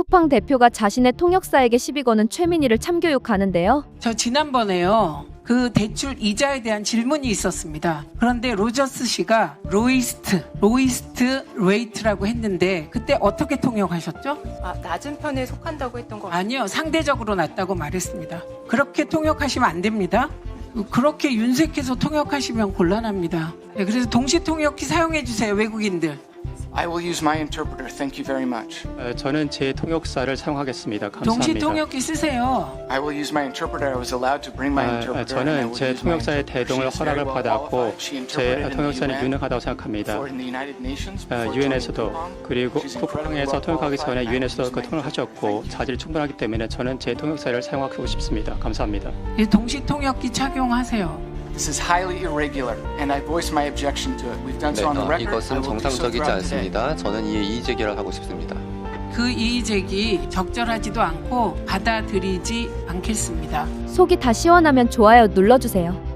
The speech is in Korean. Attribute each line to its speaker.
Speaker 1: 쿠팡 대표가 자신의 통역사에게 시비 거는 최민희를 참교육하는데요.
Speaker 2: 저 지난번에요. 그 대출 이자에 대한 질문이 있었습니다. 그런데 로저스 씨가 로이스트 레이트라고 했는데 그때 어떻게 통역하셨죠?
Speaker 3: 낮은 편에 속한다고 했던 거
Speaker 2: 아니요. 상대적으로 낮다고 말했습니다. 그렇게 통역하시면 안 됩니다. 그렇게 윤색해서 통역하시면 곤란합니다. 네, 그래서 동시 통역기 사용해 주세요. 외국인들.
Speaker 4: I will use my interpreter. Thank you very much.
Speaker 5: 저는 제 통역사를 사용하겠습니다. 감사합니다.
Speaker 2: 동시 통역기 쓰세요.
Speaker 4: I will use my interpreter. I was allowed to bring my interpreter. and I
Speaker 5: 저는
Speaker 4: will
Speaker 5: 제
Speaker 4: use my
Speaker 5: 통역사의
Speaker 4: interpreter.
Speaker 5: 대동을
Speaker 4: She is very
Speaker 5: 허락을
Speaker 4: well
Speaker 5: 받았고
Speaker 4: qualified. She
Speaker 5: 제
Speaker 4: interpreted in the
Speaker 5: 통역사는
Speaker 4: UN,
Speaker 5: 유능하다고 생각합니다.
Speaker 4: before in the United Nations, before joining
Speaker 5: 유엔에서도
Speaker 4: Coupang.
Speaker 5: 그리고
Speaker 4: She's incredibly
Speaker 5: 쿠팡에서
Speaker 4: well
Speaker 5: 통역하기 전에
Speaker 4: qualified, and I will
Speaker 5: 유엔에서도
Speaker 4: use
Speaker 5: 그
Speaker 4: my
Speaker 5: 통역을 하셨고
Speaker 4: interpreter.
Speaker 5: 자질이 충분하기 때문에 저는 제 통역사를 사용하고 싶습니다. 감사합니다.
Speaker 2: 동시 통역기 착용하세요.
Speaker 4: This is highly irregular, and I voice my objection to it. We've done so on the record. I
Speaker 6: 이것은
Speaker 4: will do so
Speaker 6: 정상적이지
Speaker 4: throughout today.
Speaker 6: 않습니다. 저는 이에 이의 제기를 하고 싶습니다.
Speaker 2: 그 이의제기 적절하지도 않고 받아들이지 않겠습니다.
Speaker 1: 속이 다 시원하면 좋아요 눌러주세요.